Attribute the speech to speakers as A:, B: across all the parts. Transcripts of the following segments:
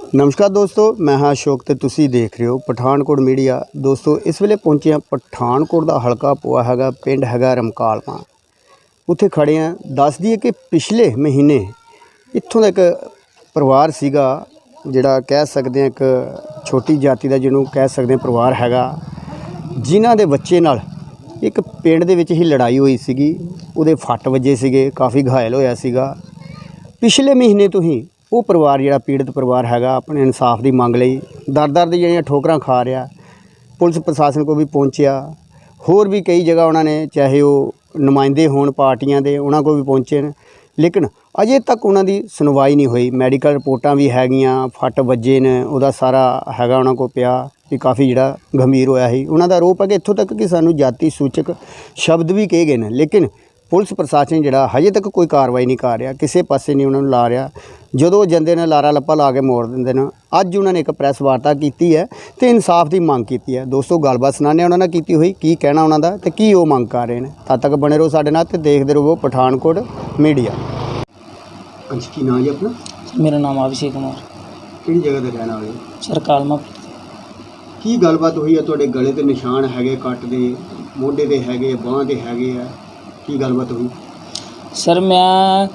A: नमस्कार दोस्तों, मैं हाँ अशोक ते तुसी देख रहे हो पठानकोट मीडिया। दोस्तों इस वेले पहुंचे हैं पठानकोट का हल्का पोआ हैगा, पिंड हैगा रमकालमा। उत्थे खड़े हैं। दस दईए कि पिछले महीने इत्थों का एक परिवार सीगा जिहड़ा कह सकते हैं एक छोटी जाति का जिन्हों कह सकते हैं परिवार हैगा, जिन्हां दे बच्चे नाल एक पिंड दे विच ही लड़ाई हुई सीगी। उहदे फट वजे सीगे, काफ़ी घायल होया सीगा। पिछले महीने तो ही वो परिवार जिहड़ा पीड़ित परिवार हैगा अपने इंसाफ की मंग लई दर दर दी जिहड़ियां ठोकरां खा रहा। पुलिस प्रशासन को भी पहुंचया, होर भी कई जगह उन्होंने चाहे वो नुमाइंदे होण पार्टियां दे उन्हां को भी पहुंचे न, लेकिन अजे तक उन्हां दी सुनवाई नहीं हुई। मैडिकल रिपोर्टां भी हैगियां, फट वजे ने, उहदा सारा हैगा उन्हां को पिया भी काफ़ी जिहड़ा गंभीर होया ही। उन्हां दा आरोप है कि इत्थों तक कि सानूं जाति सूचक शब्द भी कहे गए ने, लेकिन पुलिस प्रशासन जिहड़ा हजे तक कोई कार्रवाई नहीं कर रहा, किसी पासे नहीं उन्होंने ला रहा। जदों जांदे ने लारा लप्पा ला के मोड़ दिंदे ने। अज उन्होंने एक प्रैस वार्ता की है तो इंसाफ की मंग की है। दोस्तों गलबात सुनाने उन्होंने की हुई, की कहना उन्होंने ते की वो मंग कर रहे हैं। तद तक बने रहो साडे नाल ते देखते रहो पठानकोट मीडिया। अच्छा, की नाम जी अपना?
B: मेरा नाम अभिषेक कुमार।
A: किहड़ी जगह ते रहने वाले?
B: सर कालमा।
A: की गलबात हुई है? तुहाडे गले ते निशान हैगे कट दे, मोढे ते हैगे, बांह ते हैगे आ, की गलबात हुई?
B: सर मैं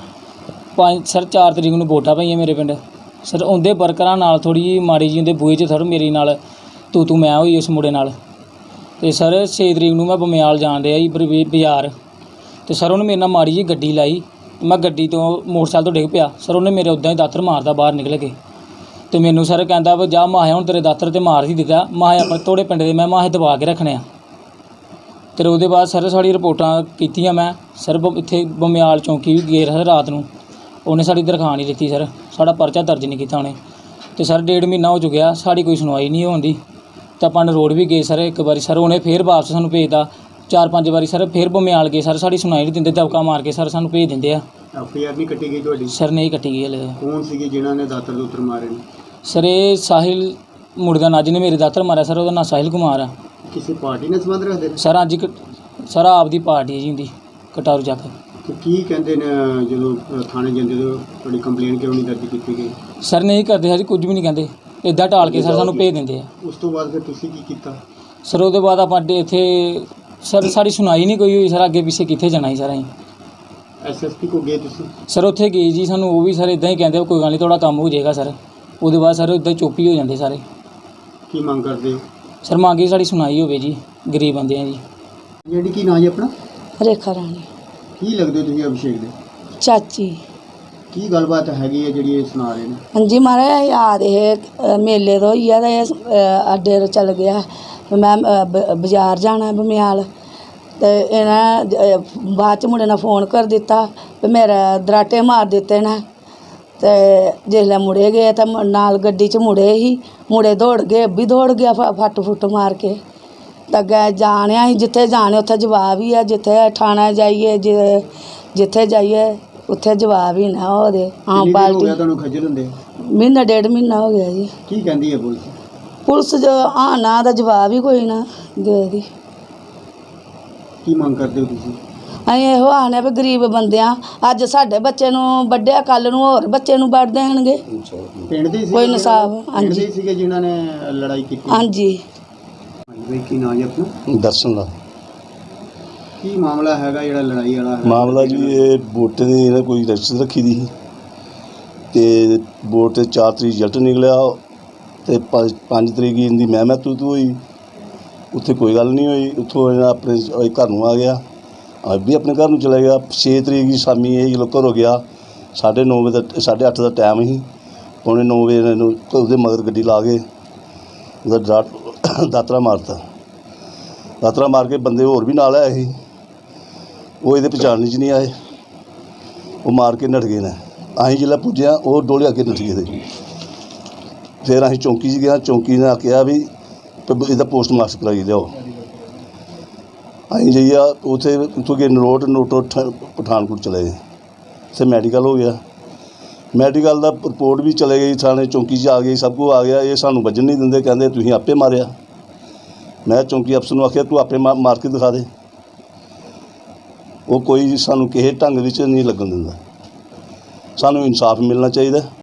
B: 4 तरीक ਨੂੰ ਵੋਟਾਂ ਪਈਆਂ ਮੇਰੇ ਪਿੰਡ। ਸਰ ਉਹਦੇ ਵਰਕਰਾਂ ਨਾਲ ਥੋੜ੍ਹੀ ਜਿਹੀ ਮਾੜੀ ਜੀ ਉਹਦੇ ਬੂਹੇ 'ਚ ਸਰ ਮੇਰੀ ਨਾਲ ਤੂੰ ਮੈਂ ਹੋਈ ਉਸ ਮੁੰਡੇ ਨਾਲ। ਅਤੇ ਸਰ 6 ਤਰੀਕ ਨੂੰ ਮੈਂ ਬਮਿਆਲ ਜਾਣ ਰਿਹਾ ਜੀ ਬਾਜ਼ਾਰ, ਅਤੇ ਸਰ ਉਹਨੇ ਮੇਰੇ ਨਾਲ ਮਾੜੀ ਜੀ ਗੱਡੀ ਲਾਈ। ਮੈਂ ਗੱਡੀ ਤੋਂ ਮੋਟਰਸਾਈਕਲ ਤੋਂ ਡਿੱਗ ਪਿਆ। ਸਰ ਉਹਨੇ ਮੇਰੇ ਉੱਦਾਂ ਹੀ ਦਾਤਰ ਮਾਰਦਾ ਬਾਹਰ ਨਿਕਲ ਕੇ, ਅਤੇ ਮੈਨੂੰ ਸਰ ਕਹਿੰਦਾ ਵੀ ਜਾ ਮਾਹਿਆ ਹੁਣ ਤੇਰੇ ਦਾਤਰ 'ਤੇ ਮਾਰ ਹੀ ਦਿੱਤਾ, ਮਾਹਿਆ ਆਪਣੇ ਤੋੜੇ ਪਿੰਡ ਦੇ ਮੈਂ ਮਾਹੇ ਦਬਾ ਕੇ ਰੱਖਣੇ ਆ। ਅਤੇ ਉਹਦੇ ਬਾਅਦ ਸਰ ਸਾਡੀ ਰਿਪੋਰਟਾਂ ਕੀਤੀਆਂ। ਮੈਂ ਸਰ ਇੱਥੇ ਬਮਿਆਲ ਚੌਂਕੀ ਵੀ ਗਏ ਸਰ ਰਾਤ ਨੂੰ, ਉਹਨੇ ਸਾਡੀ ਦਰਖਾਸਤ ਨਹੀਂ ਦਿੱਤੀ ਸਰ, ਸਾਡਾ ਪਰਚਾ ਦਰਜ ਨਹੀਂ ਕੀਤਾ ਉਹਨੇ। ਅਤੇ ਸਰ 1.5 ਮਹੀਨਾ ਹੋ ਚੁੱਕਿਆ, ਸਾਡੀ ਕੋਈ ਸੁਣਵਾਈ ਨਹੀਂ ਹੁੰਦੀ। ਅਤੇ ਆਪਾਂ ਰੋਡ ਵੀ ਗਏ ਸਰ ਇੱਕ ਵਾਰੀ, ਸਰ ਉਹਨੇ ਫਿਰ ਵਾਪਸ ਸਾਨੂੰ ਭੇਜਦਾ। 4-5 ਵਾਰੀ ਸਰ ਫਿਰ ਬਮਿਆਲ ਗਏ ਸਰ, ਸਾਡੀ ਸੁਣਵਾਈ ਨਹੀਂ ਦਿੰਦੇ, ਦਬਕਾ ਮਾਰ ਕੇ ਸਰ ਸਾਨੂੰ ਭੇਜ ਦਿੰਦੇ ਆ।
A: FIR ਨਹੀਂ ਕੱਟੀ ਗਈ ਤੁਹਾਡੀ?
B: ਸਰ ਨਹੀਂ ਕੱਟੀ ਗਈ ਹਲੇ।
A: ਕੌਣ ਸੀਗੇ ਜਿਨ੍ਹਾਂ ਨੇ ਦਾਤਰ ਦੂਤਰ ਮਾਰੇ ਨੇ?
B: ਸਰ ਇਹ ਸਾਹਿਲ ਮੁੰਡੇ ਦਾ ਨਾਂ, ਜਿਹਨੇ ਮੇਰੇ ਦਾਤਰ ਮਾਰਿਆ ਸਰ, ਉਹਦਾ ਨਾਂ ਸਾਹਿਲ ਕੁਮਾਰ ਆ।
A: ਕਿਸੇ ਪਾਰਟੀ ਨਾਲ ਸੰਬੰਧ ਰੱਖਦੇ ਨੇ?
B: ਸਰ ਅੱਜ ਸਰ ਆਪਦੀ ਪਾਰਟੀ ਹੈ ਜੀ ਹੁੰਦੀ ਕਟਾਰੂ ਚੱਕ।
A: ਤੇ ਕੀ ਕਹਿੰਦੇ ਨੇ ਜਦੋਂ ਥਾਣੇ ਜਾਂਦੇ ਤੋਂ ਤੁਹਾਡੀ ਕੰਪਲੇਂਟ ਕਿਉਂ ਨਹੀਂ ਦਰਜ ਕੀਤੀ ਗਈ?
B: ਸਰ ਨਹੀਂ ਕਰਦੇ ਸਰ, ਕੁਝ ਵੀ ਨਹੀਂ ਕਹਿੰਦੇ, ਇੱਦਾਂ ਢਾਲ ਕੇ ਸਰ ਸਾਨੂੰ ਭੇਜ ਦਿੰਦੇ ਆ।
A: ਉਸ ਤੋਂ ਬਾਅਦ ਫਿਰ ਤੁਸੀਂ ਕੀ ਕੀਤਾ?
B: ਸਰ ਉਹਦੇ ਬਾਅਦ ਆਪਾਂ ਇੱਥੇ ਸਰ ਸਾਡੀ ਸੁਣਾਈ ਨਹੀਂ ਕੋਈ ਹੋਈ ਸਰ, ਅੱਗੇ ਪਿੱਛੇ ਕਿੱਥੇ ਜਾਣਾ ਸੀ ਸਰ ਅਸੀਂ।
A: SSP ਕੋ ਗਏ ਤੁਸੀਂ?
B: ਸਰ ਉੱਥੇ ਗਏ ਜੀ, ਸਾਨੂੰ ਉਹ ਵੀ ਸਰ ਇੱਦਾਂ ਹੀ ਕਹਿੰਦੇ ਕੋਈ ਗੱਲ ਨਹੀਂ ਤੁਹਾਡਾ ਕੰਮ ਹੋ ਜਾਏਗਾ ਸਰ। ਉਹਦੇ ਬਾਅਦ ਸਰ ਇੱਦਾਂ ਚੁੱਪ ਹੀ ਹੋ ਜਾਂਦੇ ਸਾਰੇ।
A: ਕੀ ਮੰਗ ਕਰਦੇ ਹੋ?
B: ਸਰ ਮੰਗੇ ਸਾਡੀ ਸੁਣਾਈ ਹੋਵੇ ਜੀ, ਗਰੀਬ ਬੰਦੇ ਆ ਜੀ।
A: ਜਿਹੜੀ ਕੀ ਨਾਂ ਜੀ ਆਪਣਾ?
C: ਰੇਖਾ ਰਾਣੀ।
A: ਕੀ ਲੱਗਦੇ ਹੋ ਤੁਸੀਂ ਅਭਿਸ਼ੇਕ ਦੇ?
C: ਚਾਚੀ।
A: ਕੀ ਗੱਲਬਾਤ ਹੈਗੀ ਹੈ ਜਿਹੜੀ ਇਹ ਸੁਣਾ ਰਹੇ ਨੇ?
C: ਹਾਂਜੀ ਮਹਾਰਾਜ ਯਾਦ ਇਹ ਮੇਲੇ ਤੋਂ ਹੀ ਆ ਤੇ ਅੱਡੇ ਤੋਂ ਚੱਲ ਗਿਆ। ਮੈਂ ਬਾਜ਼ਾਰ ਜਾਣਾ ਬਮਿਆਲ, ਅਤੇ ਇਹਨਾਂ ਬਾਅਦ 'ਚ ਮੁੰਡੇ ਨੇ ਫੋਨ ਕਰ ਦਿੱਤਾ ਵੀ ਮੇਰਾ ਦਰਾਟੇ ਮਾਰ ਦਿੱਤੇ ਨੇ। ਅਤੇ ਜਿਸਲੇ ਮੁੜੇ ਗਏ ਤਾਂ ਨਾਲ ਗੱਡੀ 'ਚ ਮੁੜੇ ਹੀ, ਮੁੜੇ ਦੌੜ ਗਏ, ਵੀ ਦੌੜ ਗਿਆ ਫੱਟ ਫੁੱਟ ਮਾਰ ਕੇ। ਤਾਂ ਅੱਗੇ ਜਾਣਿਆ ਸੀ, ਜਿੱਥੇ ਜਾਣੇ ਉੱਥੇ ਜਵਾਬ ਹੀ ਆ, ਜਿੱਥੇ ਥਾਣਾ ਜਾਈਏ ਜਿੱਥੇ ਜਾਈਏ ਉੱਥੇ ਜਵਾਬ ਹੀ ਨਾ ਉਹਦੇ। ਆਮ ਪਾਰਟੀ
A: ਤੁਹਾਨੂੰ ਖੱਜਲ ਹੁੰਦੇ?
C: ਮਹੀਨਾ 1.5 ਮਹੀਨਾ ਹੋ ਗਿਆ ਜੀ।
A: ਕੀ ਕਹਿੰਦੀ ਹੈ ਪੁਲਿਸ?
C: ਪੁਲਿਸ ਜੋ ਨਾ ਦਾ ਜਵਾਬ ਹੀ ਕੋਈ ਨਾ ਦੇਦੀ।
A: ਕੀ ਮੰਗ ਕਰਦੇ ਹੋ ਤੁਸੀਂ?
C: ਅਸੀਂ ਇਹੋ ਆਖਦੇ ਵੀ ਗਰੀਬ ਬੰਦੇ ਆ, ਅੱਜ ਸਾਡੇ ਬੱਚੇ ਨੂੰ ਵੱਢਿਆ, ਕੱਲ੍ਹ ਨੂੰ ਹੋਰ ਬੱਚੇ ਨੂੰ ਵੱਢ ਦੇਣਗੇ।
A: ਪਿੰਡ ਦੇ
C: ਕੋਈ ਇਨਸਾਫ। ਹਾਂਜੀ
A: ਸੀਗੇ ਜਿਨ੍ਹਾਂ ਨੇ ਲੜਾਈ ਕੀਤੀ?
C: ਹਾਂਜੀ।
A: ਬਈ ਕੀ ਨਾਂ ਜੀ ਆਪਣਾ?
D: ਦਰਸ਼ਨ ਦਾ।
A: ਕੀ ਮਾਮਲਾ ਹੈਗਾ ਜਿਹੜਾ ਲੜਾਈ ਵਾਲਾ ਹੈ?
D: ਮਾਮਲਾ ਜੀ ਇਹ ਵੋਟ ਦੀ ਇਹਨਾਂ ਕੋਈ ਰਜਿਸਟਰ ਰੱਖੀ ਦੀ ਸੀ, ਅਤੇ ਵੋਟ 'ਤੇ 4 ਤਰੀਕ ਰਿਜ਼ਲਟ ਨਿਕਲਿਆ, ਅਤੇ 5 ਤਰੀਕ ਇਹਦੀ ਮੈਂ ਤੂੰ ਹੋਈ। ਉੱਥੇ ਕੋਈ ਗੱਲ ਨਹੀਂ ਹੋਈ। ਉੱਥੋਂ ਇਹਨਾਂ ਆਪਣੇ ਘਰ ਨੂੰ ਆ ਗਿਆ, ਵੀ ਆਪਣੇ ਘਰ ਨੂੰ ਚਲਾ ਗਿਆ। 6 ਤਰੀਕ ਦੀ ਸ਼ਾਮੀ ਇਹ ਜਦੋਂ ਘਰੋਂ ਗਿਆ, 9:30 ਵਜੇ ਦਾ 8:30 ਦਾ ਟਾਈਮ ਸੀ, 9:45 ਵਜੇ ਇਹਨੂੰ ਉਹਦੇ ਮਗਰ ਗੱਡੀ ਲਾ ਕੇ ਉਹਦਾ ਦਾਤਰਾ ਮਾਰਤਾ। ਦਾਤਰਾ ਮਾਰ ਕੇ ਬੰਦੇ ਹੋਰ ਵੀ ਨਾਲ ਆਏ ਸੀ, ਉਹ ਇਹਦੇ ਪਛਾਣ 'ਚ ਨਹੀਂ ਆਏ, ਉਹ ਮਾਰ ਕੇ ਨੱਠ ਗਏ ਨੇ। ਅਸੀਂ ਜਿਹੜਾ ਪੁੱਜਿਆ ਉਹ ਡੋਲੇ ਅੱਗੇ ਨੱਠ ਗਏ ਤੇ ਫਿਰ ਅਸੀਂ ਚੌਂਕੀ 'ਚ ਗਿਆ। ਚੌਂਕੀ ਨੇ ਕਿਹਾ ਵੀ ਇਹਦਾ ਪੋਸਟਮਾਸਟਰ ਕਰਾਈ ਲਿਆਓ। ਅਸੀਂ ਜਾਈਏ ਉੱਥੇ ਉੱਥੋਂ ਗਏ ਨੋਟ ਪਠਾਨਕੋਟ ਚਲੇ ਗਏ। ਉੱਥੇ ਮੈਡੀਕਲ ਹੋ ਗਿਆ, ਮੈਡੀਕਲ ਦਾ ਰਿਪੋਰਟ ਵੀ ਚਲੇ ਗਈ, ਥਾਣੇ ਚੌਂਕੀ 'ਚ ਆ ਗਈ, ਸਭ ਕੁਝ ਆ ਗਿਆ। ਇਹ ਸਾਨੂੰ ਵੱਜਣ ਨਹੀਂ ਦਿੰਦੇ, ਕਹਿੰਦੇ ਤੁਸੀਂ ਆਪੇ ਮਾਰਿਆ। ਮੈਂ ਚੌਂਕੀ ਅਫਸਰ ਨੂੰ ਆਖਿਆ ਤੂੰ ਆਪੇ ਮਾਰ ਕੇ ਦਿਖਾ ਦੇ। ਉਹ ਕੋਈ ਸਾਨੂੰ ਕਿਸੇ ਢੰਗ ਵਿੱਚ ਨਹੀਂ ਲੱਗਣ ਦਿੰਦਾ। ਸਾਨੂੰ ਇਨਸਾਫ ਮਿਲਣਾ ਚਾਹੀਦਾ।